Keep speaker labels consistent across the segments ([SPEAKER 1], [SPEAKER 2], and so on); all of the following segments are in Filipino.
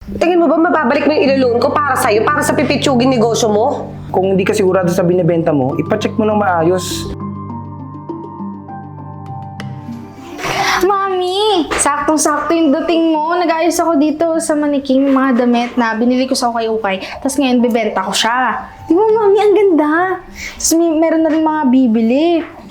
[SPEAKER 1] Tingin mo ba mababalik mo yung ilo-loan ko para sa'yo, para sa pipitsuging negosyo mo?
[SPEAKER 2] Kung hindi ka sigurado sa binibenta mo, ipacheck mo ng maayos.
[SPEAKER 3] Mami! Saktong-sakto yung dating mo. Nag-ayos ako dito sa maniking mga damit na binili ko sa ukay-ukay. Tapos ngayon, bibenta ko siya. Di ba, Mami? Ang ganda. Tapos meron na rin mga bibili.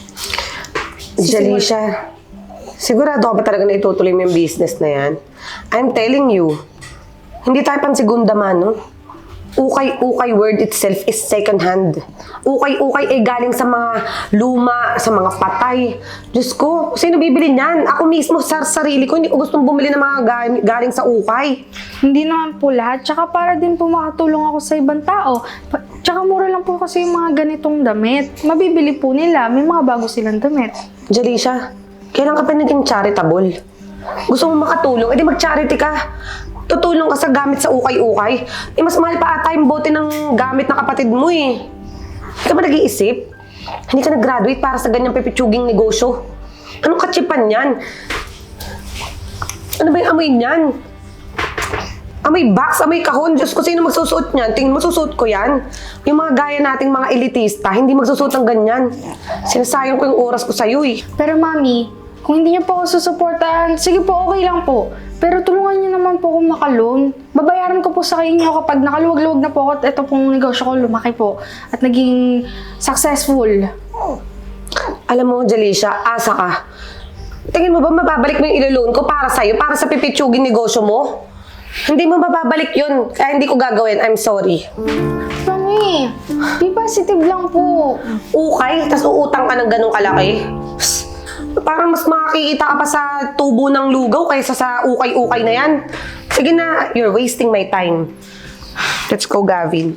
[SPEAKER 1] Jalisha, sigurado ka ba talaga na itutuloy mo yung business na yan? I'm telling you, hindi tayo pang segunda mano. Ukay-ukay word itself is second hand. Ukay-ukay ay galing sa mga luma, sa mga patay. Diyos ko, sino bibili niyan? Ako mismo sa sarili ko, hindi ko gustong bumili ng mga galing sa ukay.
[SPEAKER 3] Hindi naman po lahat. Tsaka para din po makatulong ako sa ibang tao. Tsaka mura lang po kasi yung mga ganitong damit. Mabibili po nila. May mga bago silang damit.
[SPEAKER 1] Jalisha, kailan ka pa naging charitable? Gusto mo makatulong? Edi mag-charity ka. Tutulong ka sa gamit sa ukay-ukay. Eh, mas mahal pa ata yung bote ng gamit na kapatid mo eh. Hindi ka ba nag-iisip? Hindi ka nag-graduate para sa ganyang pipitsuging negosyo. Anong katsipan yan? Ano ba yung amoy niyan? Amoy box, amoy kahon. Diyos ko, sino magsusuot niyan? Tingin mo, susuot ko yan. Yung mga gaya nating mga elitista, hindi magsusuot ng ganyan. Sinasayang ko yung oras ko sa'yo eh.
[SPEAKER 3] Pero Mami, kung hindi niyo po ako susuportahan, sige po, okay lang po. Pero tulungan niyo naman po akong makaloan. Babayaran ko po sa inyo kapag nakaluwag-luwag na po ako at ito pong negosyo ko lumaki po at naging successful.
[SPEAKER 1] Alam mo, Jalisha, asa ka. Tingin mo ba mababalik mo yung ilo-loan ko para sa'yo, para sa pipitsuging negosyo mo? Hindi mo mababalik yun, kaya hindi ko gagawin. I'm sorry.
[SPEAKER 3] Mami, be positive lang po.
[SPEAKER 1] Ukay, tas uutang ka ng ganong kalaki. Psst, parang mas makakikita ka pa sa tubo ng lugaw kaysa sa ukay-ukay na yan. Sige na, you're wasting my time. Let's go, Gavin.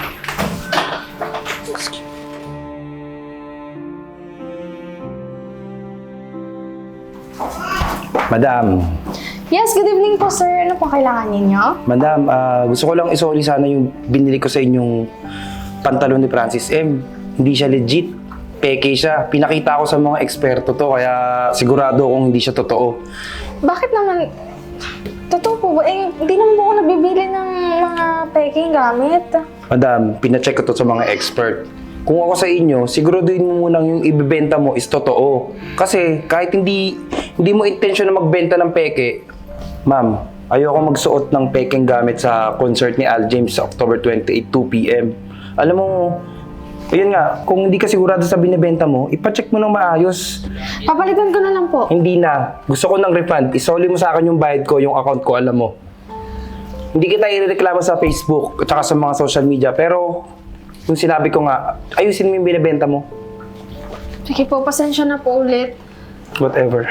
[SPEAKER 2] Madam,
[SPEAKER 3] Yes, good evening po sir. Ano pong kailangan ninyo?
[SPEAKER 2] Madam, gusto ko lang isoli sana yung binili ko sa inyong pantalon ni Francis M. Hindi siya legit. Peke siya. Pinakita ko sa mga eksperto to, kaya sigurado kung hindi siya totoo.
[SPEAKER 3] Bakit naman? Totoo po ba? Eh, hindi naman po ako nabibili ng mga peking gamit.
[SPEAKER 2] Madam, pinacheck ko to sa mga expert. Kung ako sa inyo, siguraduhin mo munang yung ibibenta mo is totoo. Kasi kahit hindi mo intention na magbenta ng peke, ma'am, ayoko magsuot ng pekeng gamit sa concert ni Al James sa October 28, 2 p.m. Alam mo, ayun nga, kung hindi ka sigurado sa binibenta mo, ipacheck mo ng maayos.
[SPEAKER 3] Papalitan ko na lang po.
[SPEAKER 2] Hindi na. Gusto ko ng refund. Isoli mo sa akin yung bayad ko, yung account ko, alam mo. Hindi kita irereklamo sa Facebook at saka sa mga social media, pero yung sinabi ko nga, ayusin mo yung binibenta mo.
[SPEAKER 3] Sige po, pasensya na po ulit.
[SPEAKER 2] Whatever.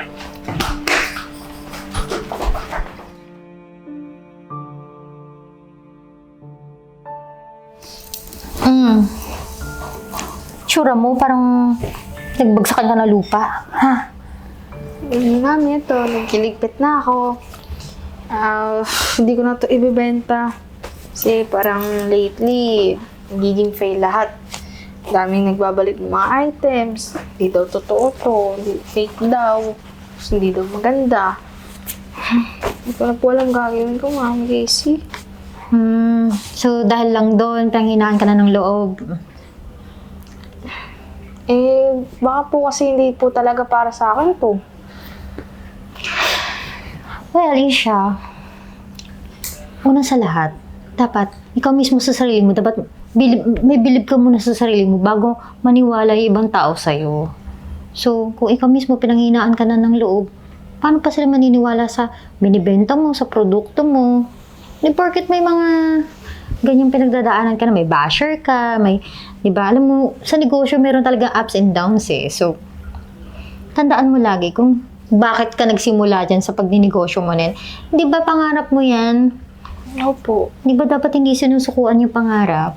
[SPEAKER 4] Tsura mo, parang nagbagsakan ka ng lupa. Ha?
[SPEAKER 3] Mami, ito, nagkiligpit na ako. Hindi ko na ito ibibenta. Kasi parang lately, nagiging fail lahat. Daming nagbabalik ng mga items. Hindi daw totoo to. Fake daw. Tapos hindi daw maganda. Hindi ko na po alam gagawin ko, Mami Casey.
[SPEAKER 4] So dahil lang doon, panghinaan ka na ng loob.
[SPEAKER 3] Eh, baka po kasi hindi po talaga para sa akin to.
[SPEAKER 4] Well, Isha, una sa lahat, dapat ikaw mismo sa sarili mo, dapat may bilib ka muna sa sarili mo bago maniwala yung ibang tao sa'yo. So, kung ikaw mismo pinanghinaan ka na ng loob, paano pa sila maniniwala sa binibenta mo, sa produkto mo? Di porket may mga ganyang pinagdadaanan ka na, may basher ka, may, di ba, alam mo, sa negosyo meron talaga ups and downs eh. So, tandaan mo lagi kung bakit ka nagsimula dyan sa pagninegosyo mo nin. Di ba pangarap mo yan?
[SPEAKER 3] Opo.
[SPEAKER 4] Di ba dapat hindi sinusukuan yung pangarap?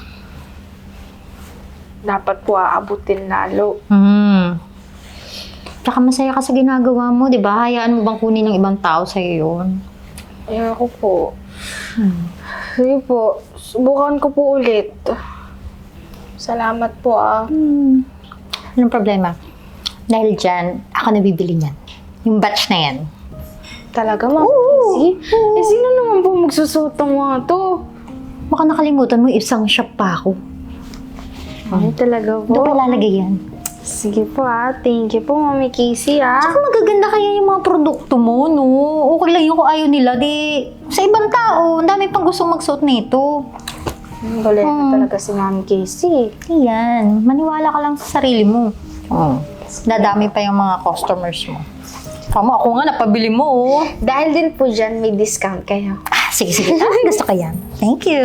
[SPEAKER 3] Dapat po aabutin lalo.
[SPEAKER 4] Tsaka masaya ka sa ginagawa mo, di ba? Hayaan mo bang kunin ng ibang tao sa'yo yun?
[SPEAKER 3] Ayoko po. Sige po, subukan ko po ulit. Salamat po
[SPEAKER 4] Anong problema? Dahil dyan, ako nabibili niyan. Yung batch na yan.
[SPEAKER 3] Talaga, Ma'am?
[SPEAKER 4] Oo!
[SPEAKER 3] Casey? Eh, sino naman po magsusuot ng mga to?
[SPEAKER 4] Baka nakalimutan mo, isang shop pa ako.
[SPEAKER 3] Ay, talaga
[SPEAKER 4] Doon
[SPEAKER 3] po.
[SPEAKER 4] pa lalagay yan.
[SPEAKER 3] Sige po thank you po, Mami Casey
[SPEAKER 4] Saka magaganda kaya yung mga produkto mo, no? Okay lang yung kung ayaw nila, di... Sa ibang tao, ang dami pang gustong magsuot nito.
[SPEAKER 3] Galit na talaga si Mami Casey.
[SPEAKER 4] Ayan, maniwala ka lang sa sarili mo. Dadami pa yung mga customers mo. Kamo, ako nga, napabili mo, oh.
[SPEAKER 3] Dahil din po dyan, may discount kayo.
[SPEAKER 4] Sige, sige. Gusto ko yan. Thank you.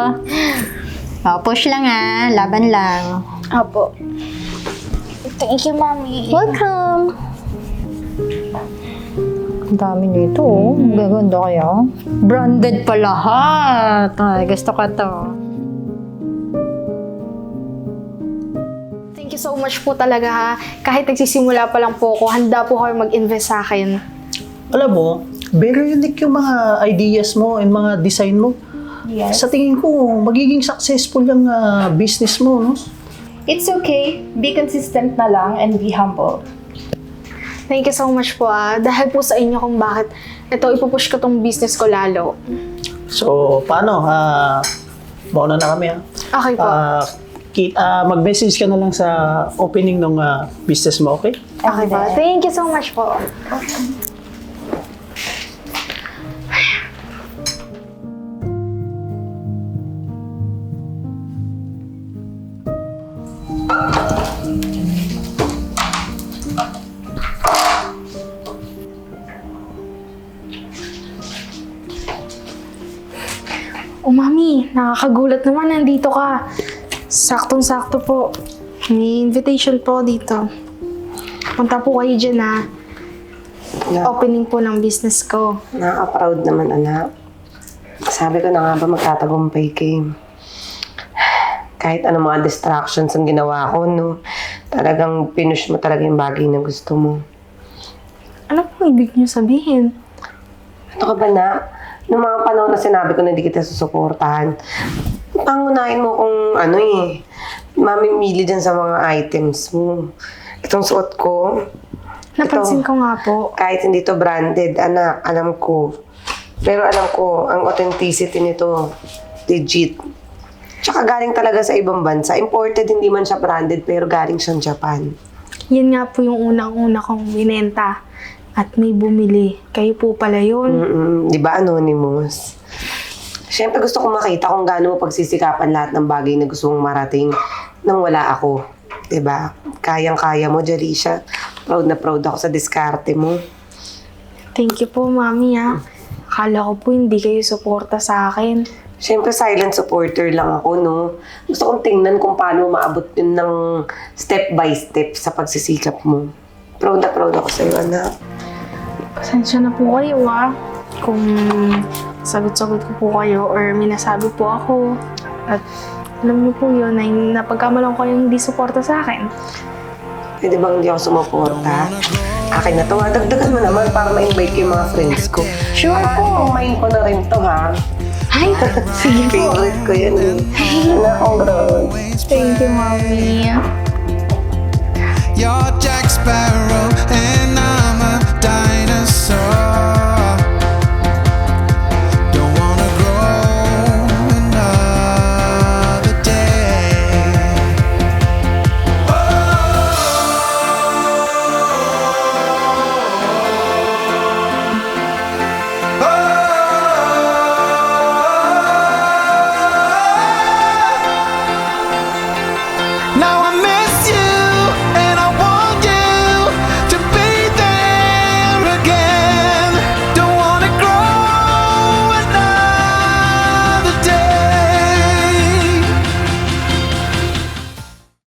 [SPEAKER 4] Push lang laban lang.
[SPEAKER 3] Opo. Thank you, Mami.
[SPEAKER 4] Welcome. Ang dami nito, oh. Ang gaganda kaya. Branded pa lahat. Ay, gusto ko to.
[SPEAKER 3] Thank you so much po talaga ha. Kahit nagsisimula pa lang po ako, handa po kayo mag-invest sa akin.
[SPEAKER 5] Alam mo, very unique yung mga ideas mo and mga design mo.
[SPEAKER 3] Yes.
[SPEAKER 5] Sa tingin ko, magiging successful yung business mo, no?
[SPEAKER 6] It's okay. Be consistent na lang and be humble.
[SPEAKER 3] Thank you so much po dahil po sa inyo kung bakit ito ipupush ko tong business ko lalo.
[SPEAKER 5] So, paano? Mauna na kami, ha?
[SPEAKER 3] Okay po.
[SPEAKER 5] Mag-message ka na lang sa opening ng business mo, okay?
[SPEAKER 3] Okay po. Thank you so much po. Oh, Mami, nakakagulat naman. Nandito ka. Saktong-sakto po. May invitation po dito. Punta po kayo dyan, Opening po ng business ko.
[SPEAKER 1] Nakaka-proud naman, anak. Sabi ko na nga ba magtatagumpay kayo. Kahit ano mga distractions ang ginawa ko, no? Talagang pinush mo talaga yung bagay na gusto mo.
[SPEAKER 3] Ano po ibig niyo sabihin?
[SPEAKER 1] Ano ka ba na? Noong mga panahon na sinabi ko na hindi kita susuportahan, pangunahin mo kung mamimili dyan sa mga items mo. Itong suot ko,
[SPEAKER 3] Napansin ko nga po.
[SPEAKER 1] kahit hindi to branded, anak, alam ko. Pero alam ko, ang authenticity nito, legit. Tsaka galing talaga sa ibang bansa. Imported, hindi man siya branded, pero galing siyang Japan.
[SPEAKER 3] Yan nga po yung unang-una kong binenta. At may bumili. Kayo po pala yun.
[SPEAKER 1] Di ba, Anonymous? Siyempre gusto ko makita kung gaano mo pagsisikapan lahat ng bagay na gusto mong marating nang wala ako. Di ba? Kayang-kaya mo, Jalisha. Proud na proud ako sa diskarte mo.
[SPEAKER 3] Thank you po, Mami Akala ko po hindi kayo suporta sa akin.
[SPEAKER 1] Siyempre, silent supporter lang ako, no? Gusto kong tingnan kung paano maabot yun ng step by step sa pagsisikap mo. Proud na proud ako sa'yo, anak.
[SPEAKER 3] Pasensya na po kayo, Kung sagot-sagot ko po kayo or minasabi po ako. At alam niyo po yun, ay napagkamalang ko yung hindi suporta sa akin.
[SPEAKER 1] Pwede bang hindi ako sumuporta? Akin na to, dagdagan mo naman para ma-invite ko yung mga friends ko.
[SPEAKER 3] Sure po.
[SPEAKER 1] Mind ko na rin to, ha?
[SPEAKER 3] Ay, sige po.
[SPEAKER 1] Favorite ko yan, eh. Anak, congrats.
[SPEAKER 3] Thank you, Mami.
[SPEAKER 7] You're Jack Sparrow and I'm a dinosaur. Don't wanna grow another day. Now I'm